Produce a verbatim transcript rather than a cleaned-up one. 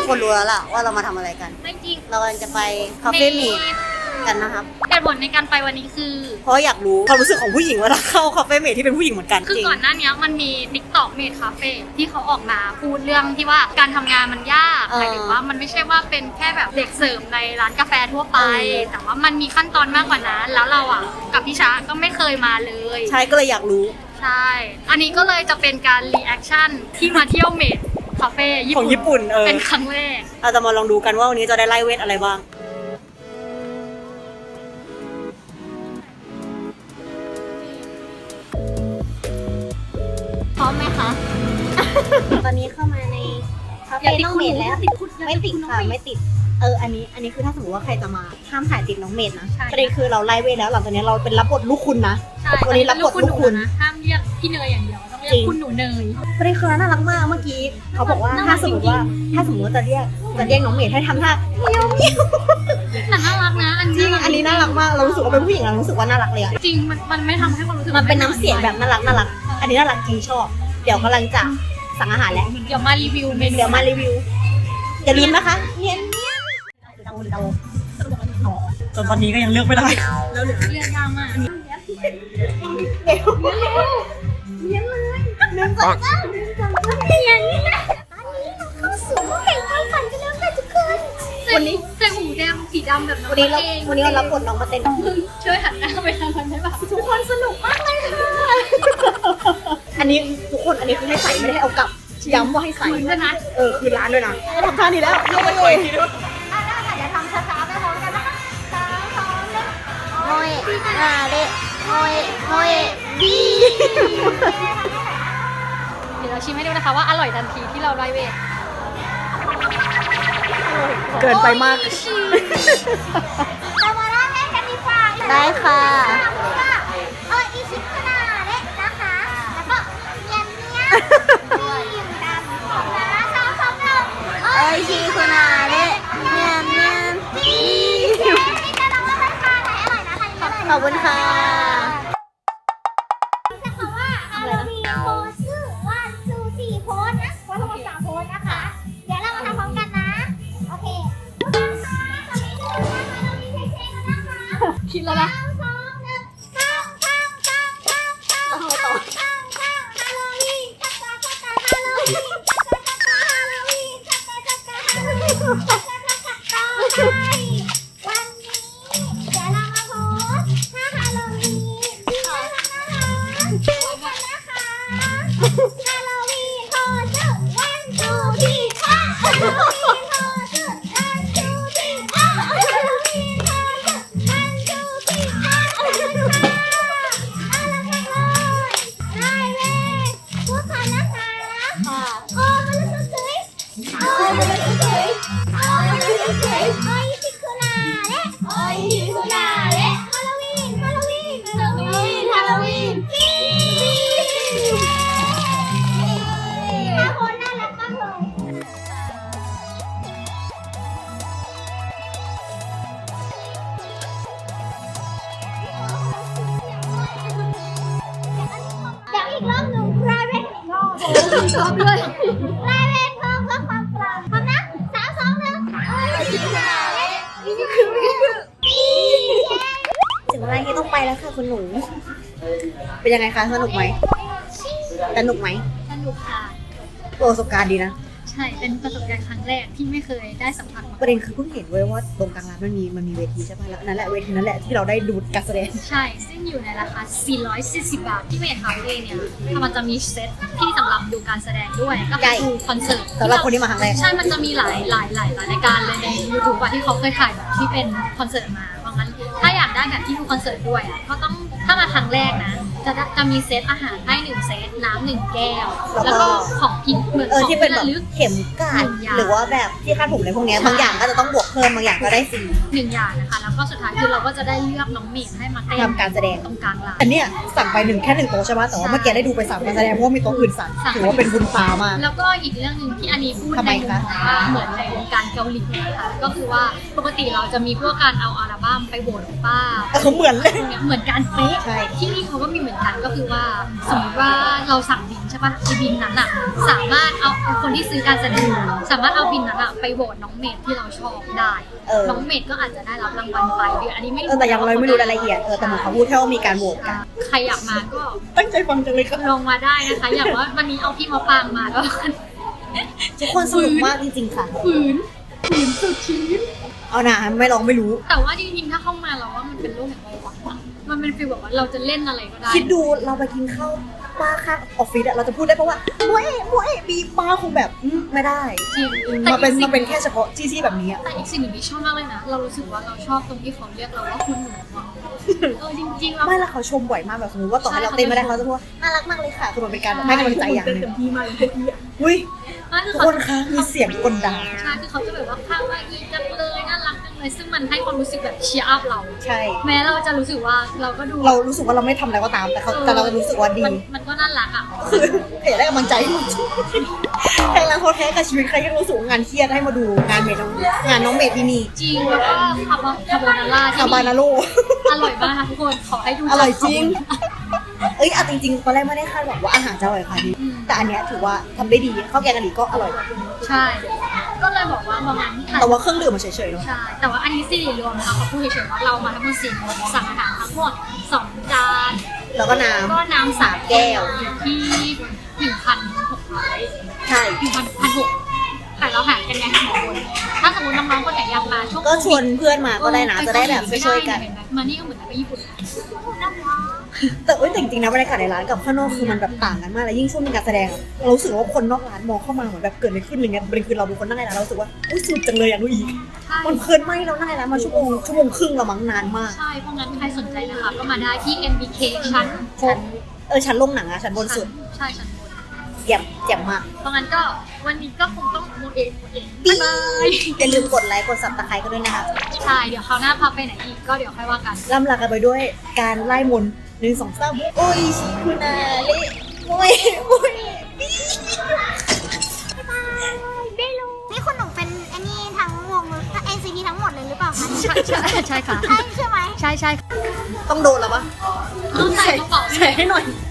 คนรู้แล้วล่ะว่าเรามาทำอะไรกันจริงเรากำลังจะไปคาเฟ่เมดกันนะครับเหตุผลในการไปวันนี้คือเพราะอยากรู้ความรู้สึกของผู้หญิงเวลาเข้าคาเฟ่เมดที่เป็นผู้หญิงเหมือนกันคือจริงก่อนหน้านี้มันมี TikTok Made Cafe ที่เขาออกมาพูดเรื่องที่ว่าการทำงานมันยากเออหมายถึงว่ามันไม่ใช่ว่าเป็นแค่แบบเด็กเสิร์ฟในร้านกาแฟทั่วไปเออแต่ว่ามันมีขั้นตอนมากกว่านั้น แล้วเราอ่ะกับพี่ช้าก็ไม่เคยมาเลยใช่ก็เลยอยากรู้ใช่ อันนี้ก็เลยจะเป็นการรีแอคชั่นที่มาเที่ยวเมดคาเฟ่ญี่ขปุ่อน งญี่ปุ่นเออเป็นครั้งแรกเราจะมาลองดูกันว่าวันนี้จะได้ไล่เวทอะไรบ้างพร้อมไหมคะ ตอนนี้เข้ามาในคาเฟ่น้องเมดแล้ว ไม่ติดค่ะไม่ติด เออ อันนี้ อันนี้คือถ้าสมมติว่าใครจะมาห้ามถ่ายติดน้องเมดนะใช่ประเด็นคือเราไล่เวทแล้วหลังจากนี้เราเป็นรับบทลูกคุณนะใช่วันนี้รับบทลูกคุณนะห้ามเรียกพี่เนยอย่างเดียวต้องเรียจริกงคุณหนูเนยประเด็นคือน่ารักมากเมื่อกี้เขาบอกว่าน่ารักถ้าสมมติว่าจริงถ้าสมมติว่าจะเรียกจะเรียกน้องเมดให้ทำท่าเมียวเมียวแต่น่ารักนะอันจริงอันนี้น่ารักมากเรารู้สึกว่าเป็นผู้หญิงเรารู้สึกว่าน่ารักเลยอะจริงมันมันไม่ทำให้ความรู้สึกมันเป็นน้ำเสียงแบบน่ารักน่ารักอันนี้น่ารักจริงชอบ เดี๋ยวกำลังจะสั่งอาหารแล้วเดี๋ยวมารีวิวเมนูเดี๋ยวมารีวิวอย่าลืมนะคะเนียนเนียนจนตอนนี้ก็ยังเลือกไม่ได้แล้วเหลือเรื่องยากมากเนียนเลยเนียนจังจ้าเนียนจังจ้าเนียนตอนนี้เราเข้าสู่ห้องแห่งความฝันกันแล้วค่ะทุกคนวันนี้ใส่หูแดงสีดำแบบน้องวันนี้เราเองวันนี้เรารับบทน้องมาเต้นมึงช่วยหันหน้าไปทางมันได้ป่ะทุกคนสนุกมากเลยค่ะอันนี้ทุกคนอันนี้คือให้ใส่ไม่ได้ให้เอากลับย้ำว่าให้ใส่คืนด้วยนะเออคือร้านด้วยนะทำท่านี้แล้วเย้เย้อ่ะได้ค่ะเดี๋ยวทำช้าๆไปพร้อมกันนะคะสามสองหนึ่งโมยนาเดโมยโมยดีเดี๋ยวเราชิมให้ดูนะคะว่าอร่อยทันทีที่เราไล่เวทเกินไปมากเรามาเล่าเล่นกันดีกว่าได้ค่ะเอออีชิคุนาเละนะคะ แล้วก็เนียนเนียนมีอยู่ดำนะสองสองหนึ่งโอ้ยชีคุณอาเละเนียนเนียนดีนี่จะลองเล่าให้ฟังไหนอร่อยนะทานนี้เลยขอบคุณค่ะจะคำว่าฮาโลวีนโพสชื่อวันซูสี่โพสนะโพสทั้งหมดสามโพสนะคะ เดี๋ยวเรามาทำพร้อมกันนะ โอเคทุกคนคะตอนนี้ทุกคนนั่งฮาโลวีนเฉยๆกันนะคะคิดแล้วนะสามสองหนึ่งข้าวข้าวข้าวข้าวข้าวข้าวข้าวข้าวฮาโลวีนชักกะชักกะฮาโลวีนชักกะชักกะฮาโลวีนชักกะชักกะฮาโลวีนชักกะชักกะต่อไปวันนี้เดี๋ยวเรามาโพสท่าฮาโลวีนน่ารักน่ารักดูกันนะคะฮาโลวีนโพสชื่อวันทูที่ห้าฮาโลวีนโพสชื่อวันทูที่ห้าฮาโลวีนโพสชื่อวันทูที่ห้าขอบคุณค่ะน่ารักมากเลยได้เลยพูดค่ะนะคะโอ้มันรู้สึกสวยโอ้มันรู้สึกสวยโอ้มันรู้สึกสวยโอ้ยชิคุนาเละโอ้ยชิคุนาเละฮาโลวีนฮาโลวีนฮาโลวีนฮาโลวีนปีห้าคนน่ารักมากเลยเดี๋ยวอีกรอบหนึ่ง private อีกรอบชอบด้วย private เพิ่มเพื่อความปลอดภัยนะสามสองหนึ่งโอ้ยชิคุนาเละนี่คือปีถึงเวลาที่ต้องไปแล้วค่ะคุณหนู เป็นยังไงคะสนุกไหมสนุกไหมสนุกค่ะประสบการณ์ดีนะใช่ เป็นประสบการณ์ครั้งแรกที่ไม่เคยได้สัมผัสมาประเด็นคือเพิ่งเห็นเว้ยว่าตรงกลางร้านมันมีมันมีเวทีใช่ไหมแล้วนั่นแหละเวทีนั่นแหละที่เราได้ดูการแสดงใช่ ซึ่งอยู่ในราคา สี่ร้อยสี่สิบ บาท ที่เมทคาเฟ่เนี่ยมันจะมีเซตที่สำหรับดูการแสดงด้วย ก็ใช่คือดูคอนเสิร์ตสำหรับคนที่มาครั้งแรกใช่ มันจะมีหลายหลายหลายหลายรายการเลยใน YouTube อะที่เขาเคยถ่ายแบบที่เป็นคอนเสิร์ตมา เพราะงั้นถ้าอยากได้แบบที่ดูคอนเสิร์ตด้วยอะก็ต้องถ้ามาครั้งแรกนะ จะได้จะมีเซตอาหารให้หนึ่งเซตน้ำหนึ่งแก้ว แล้วก็ของพิมพ์เหมือนเออของที่เป็นแบบระลึกเข็มกลัดหนึ่งอย่างหรือว่าแบบที่คาดผมในพวกเนี้ยใช่บางอย่างก็จะต้องบวกเพิ่มบางอย่างก็ได้ฟรีหนึ่งอย่างนะคะ แล้วก็สุดท้ายคือเราก็จะได้เลือกน้องเมดให้มาเต้นทำการแสดงตรงกลางร้านอันเนี้ยสั่งไปหนึ่งแค่หนึ่งโต๊ะใช่ไหมแต่ว่าเมื่อกี้ได้ดูไปสามการแสดงเพราะว่ามีโต๊ะอื่นสั่งสั่งถือว่าเป็นบุญตามากแล้วก็อีกเรื่องหนึ่งที่อันนี้พูดทำไมในมุมคะของว่าเหมือนในวงการเกาหลีนะคะก็คือว่าปกติเราจะมีพวกการเอาอัลบั้มไปโหวตป้าเออเหมือนเลยเหมือนกันเป๊ะใช่ที่นี่เขาก็มีเหมือนกันก็คือว่าสมมติว่าเราสั่งดินใช่ช่ปะไอบินนั้นอะสามารถเอาคนที่ซื้อการแสดงสามารถเอาบินนั้นอะไปโหวตน้องเมดที่เราชอบได้เออน้องเมดก็อาจจะได้รับรางวัลไปเดี๋ยวอันนี้ไม่เออแต่ยังเราไม่รู้รายละเอียดเออแต่เหมือนเขาพูดแค่ว่ามีการโหวตกันใครอยากมาก็ตั้งใจฟังจังเลยค่ะลงมาได้นะคะ อย่างว่าวันนี้เอาพี่มาปางมาก็ทุกคนสนุกมากจริงๆค่ะฝืนฝืนสุดชีวิตเอานะไม่ลองไม่รู้แต่ว่าจริงๆถ้าเข้ามาเราว่ามันเป็นโลกแห่งความหวังอะมันเป็นฟีลแบบว่าเราจะเล่นอะไรก็ได้คิดดูเราไปกินข้าวป้าข้างออฟฟิศอะเราจะพูดได้เพราะว่าโว้ยโว้ยบีป้าคงแบบอืมไม่ได้จริงมันเป็นแต่อีกสิ่งมันเป็นแค่เฉพาะที่ที่แบบนี้อะแต่อีกสิ่งหนึ่งที่ชอบมากเลยนะ เรารู้สึกว่าเราชอบตรงที่เขาเรียกเราว่าคุณหนูอะเออจริงๆแล้วไม่และเขาชมบ่อยมากแบบสมมติว่าต่อให้เราเต้นไม่ได้เขาจะพูดว่าน่ารักมากเลยค่ะคือมันเป็นการให้กำลังใจอย่างหนึงอุ้ยนั่นคือทุกเขาคนคะมีเสียงกลด่าใช่คือเขาจะแบบว่าข้าวว่าอีจังเลยน่ารักจังเลยซึ่งมันให้ความรู้สึกแบบเชียร์อัพเราใช่แม้เราจะรู้สึกว่าเราก็ดูเรารู้สึกว่าเราไม่ทำอะไรก็ตามแต่เขาแต่เรารู้สึกว่าดีมันมันก็น่ารักอ่ะคืออยากได้กำลังใจใครรักเขาแท้กับชีวิตใครที่รู้สึกว่างานเครียดให้มาดูงานเมดน้องงานน้องเมดที่นี่จริงแล้วก็คาร์บอนคาร์โบนาร่าที่คาบานาโลอร่อยมากทุกคนขอให้ดูอร่อยจริง เอ้ยเอาจริงๆตอนแรกไม่ได้คาดหวังว่าอาหารจะอร่อยค่ะดีแต่อันเนี้ยถือว่าทำได้ดีข้าวแกงกะหรี่ก็อร่อยใช่ ก็เลยบอกว่าประมาณแต่ว่าเครื่องดื่มมันเฉยๆเนาะใช่ แต่ว่าอันนี้สี่รวมนะคะเขาพูดเฉยๆว่าเรามาทั้งหมดสี่คนสั่งอาหารทั้งหมดสองจานแล้วก็น้ก็น้ำสามแก้วอยู่ที่หนึ่งพันหกร้อยำใช่หนึ่งพันพันหกแต่เราหารกันไงสองคนถ้าสมมติน้องๆคนไหนอยากมาช่วงก็ชวนเพื่อนมาก็ได้นะจะได้แบบช่วยๆกันมานี่ก็เหมือนไปญี่ปุ่นแต่เอ้ยแต่จริงๆนะบรรยากาศในร้านกับข้างนอกคือมันแบบต่างกันมากเลยยิ่งช่วงเป็นการแสดงอะเรารู้สึกว่าคนนอกร้านมองเข้ามาเหมือนแบบเกิดอะไรขึ้นอะไรเงี้ยเป็นคือเราเป็นคนนั่งในร้านเรารู้สึกว่าอุ้ยสนุกจังเลยอยากดูอีกใช่มันเพลินมากที่เรานั่งในร้านมาชั่วโมงชั่วโมงครึ่งเรามั้งนานมากใช่เพราะงั้นใครสนใจนะคะก็มาได้ที่ เอ็ม บี เค ชั้นชั้นเออชั้นลงหนังอะชั้นบนสุดใช่ชั้นบนเยี่ยมเยี่ยมมากเพราะงั้นก็วันนี้ก็คงต้องโมเองโมเองบ๊ายบายอย่าลืมกดไลค์กดซับสไครต์กันด้วยนะคะใช่ เดี๋ยวคราวหน้าพาไปไหนอีกก็เดี๋ยวค่อยว่ากันล่ำลากันไปด้วยการไล่มนต์หนึ่งสองสามโอ้ยชิคุณาเละโอ้ยโอ้ยไม่รู้นี่คุณหนุ่มเป็นไอ้นี่ทั้งวงเอ็นซีทีทั้งหมดเลยหรือเปล่าคะใช่ใช่ใช่ค่ะใช่ใช่ไหมใช่ใช่ต้องโดนแล้วปะต้องใส่กระเป๋าใส่ให้หน่อยใ